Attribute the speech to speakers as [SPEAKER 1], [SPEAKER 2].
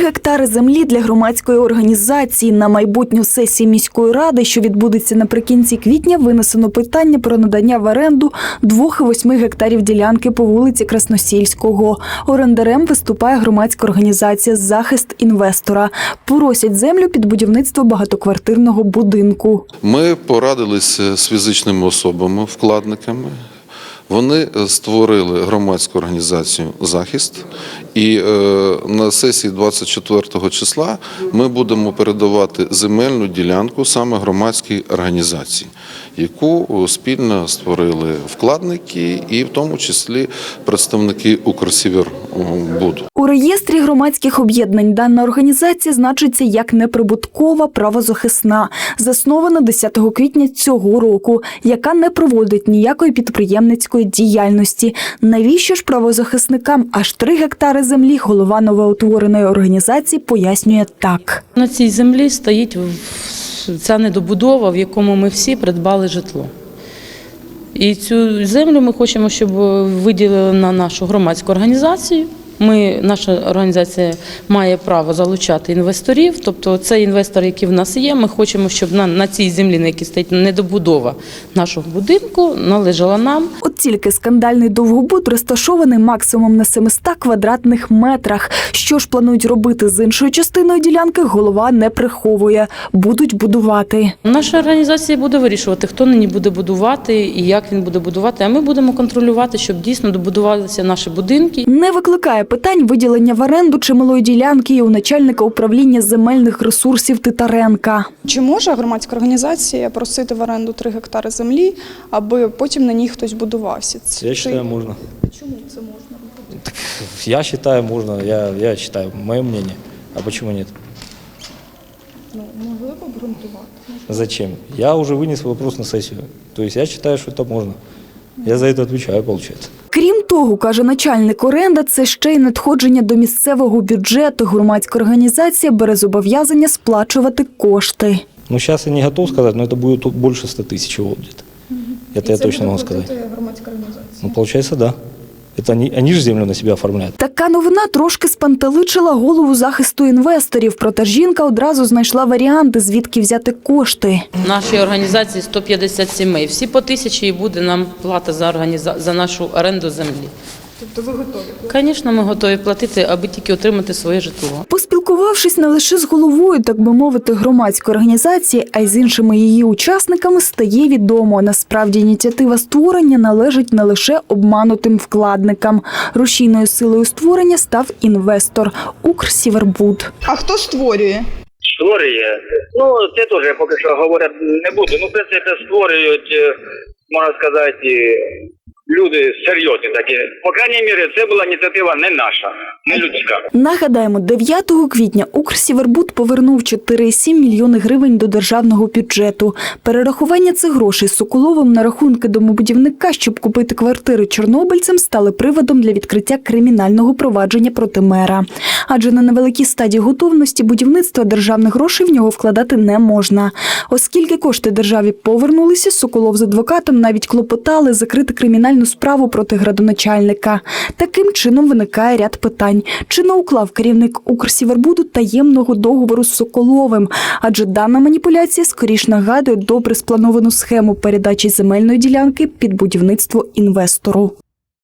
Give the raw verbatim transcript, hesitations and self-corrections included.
[SPEAKER 1] гектари землі для громадської організації. На майбутню сесії міської ради, що відбудеться наприкінці квітня, винесено питання про надання в оренду двох і восьми гектарів ділянки по вулиці Красносільського. Орендарем виступає громадська організація «Захист інвестора». Просять землю під будівництво багатоквартирного будинку.
[SPEAKER 2] Ми порадилися з фізичними особами, вкладниками. Вони створили громадську організацію «Захист», і на сесії двадцять четвертого числа ми будемо передавати земельну ділянку саме громадській організації, яку спільно створили вкладники і в тому числі представники «Укрсівербуду».
[SPEAKER 1] У реєстрі громадських об'єднань дана організація значиться як неприбуткова правозахисна, заснована десятого квітня цього року, яка не проводить ніякої підприємницької діяльності. Навіщо ж правозахисникам аж три гектари землі, голова новоутвореної організації пояснює так.
[SPEAKER 3] На цій землі стоїть ця недобудова, в якому ми всі придбали житло. І цю землю ми хочемо, щоб виділили на нашу громадську організацію. Ми, наша організація має право залучати інвесторів, тобто це інвестори, які в нас є, ми хочемо, щоб на, на цій землі, на якій стоїть недобудова нашого будинку, належала нам.
[SPEAKER 1] От тільки скандальний довгобуд розташований максимум на семистах квадратних метрах. Що ж планують робити з іншою частиною ділянки, голова не приховує. Будуть будувати.
[SPEAKER 3] Наша організація буде вирішувати, хто нині буде будувати і як він буде будувати, а ми будемо контролювати, щоб дійсно добудувалися наші будинки.
[SPEAKER 1] Не викликає питань виділення в оренду чималої ділянки і у начальника управління земельних ресурсів Титаренка.
[SPEAKER 4] Чи може громадська організація просити в оренду три гектари землі, аби потім на ній хтось будувався?
[SPEAKER 5] Я вважаю, можна.
[SPEAKER 4] Чому це можна робити?
[SPEAKER 5] Так, я вважаю, можна. Я, я вважаю, моє мнение. А чому ні?
[SPEAKER 4] Ну, могли б обґрунтувати.
[SPEAKER 5] Зачем? Я вже виніс вопрос на сесію. Тобто я вважаю, що це можна. Я за це відповідаю, виходить.
[SPEAKER 1] Крім того, каже начальник, оренда – це ще й надходження до місцевого бюджету. Громадська організація бере зобов'язання сплачувати кошти.
[SPEAKER 5] Ну, зараз я не готов сказати, але це буде більше ста тисяч буде. Це я точно можу сказати.
[SPEAKER 4] Це громадська організація?
[SPEAKER 5] Ну, виходить, так. Да. Это они, они ж землю на себе оформляють.
[SPEAKER 1] Така новина трошки спантеличила голову захисту інвесторів. Проте жінка одразу знайшла варіанти, звідки взяти кошти.
[SPEAKER 3] В нашій організації сто п'ятдесят сімей. Всі по тисячі і буде нам плата за, організа... за нашу оренду землі.
[SPEAKER 4] Тобто ви готові?
[SPEAKER 3] Звісно, ми готові платити, аби тільки отримати своє житло.
[SPEAKER 1] Поспілкувавшись не лише з головою, так би мовити, громадської організації, а й з іншими її учасниками, стає відомо. Насправді ініціатива створення належить не лише обманутим вкладникам. Рушійною силою створення став інвестор – Укрсівербуд.
[SPEAKER 4] А хто створює?
[SPEAKER 6] Створює. Ну, це теж поки що говорити не буду. Ну, в принципі, створюють, можна сказати, люди серйозні такі. По крайній мірі, це була ініціатива не наша, не людська.
[SPEAKER 1] Нагадаємо, дев'ятого квітня Укрсівербуд повернув чотири цілих сім мільйони гривень до державного бюджету. Перерахування цих грошей Соколовим на рахунки домобудівника, щоб купити квартири чорнобильцям, стали приводом для відкриття кримінального провадження проти мера. Адже на невеликій стадії готовності будівництва державних грошей в нього вкладати не можна. Оскільки кошти державі повернулися, Соколов з адвокатом навіть клопотали закрити кримінальну справу проти градоначальника. Таким чином виникає ряд питань. Чи не уклав керівник Укрсівербуду таємного договору з Соколовим? Адже дана маніпуляція скоріш нагадує добре сплановану схему передачі земельної ділянки під будівництво інвестору.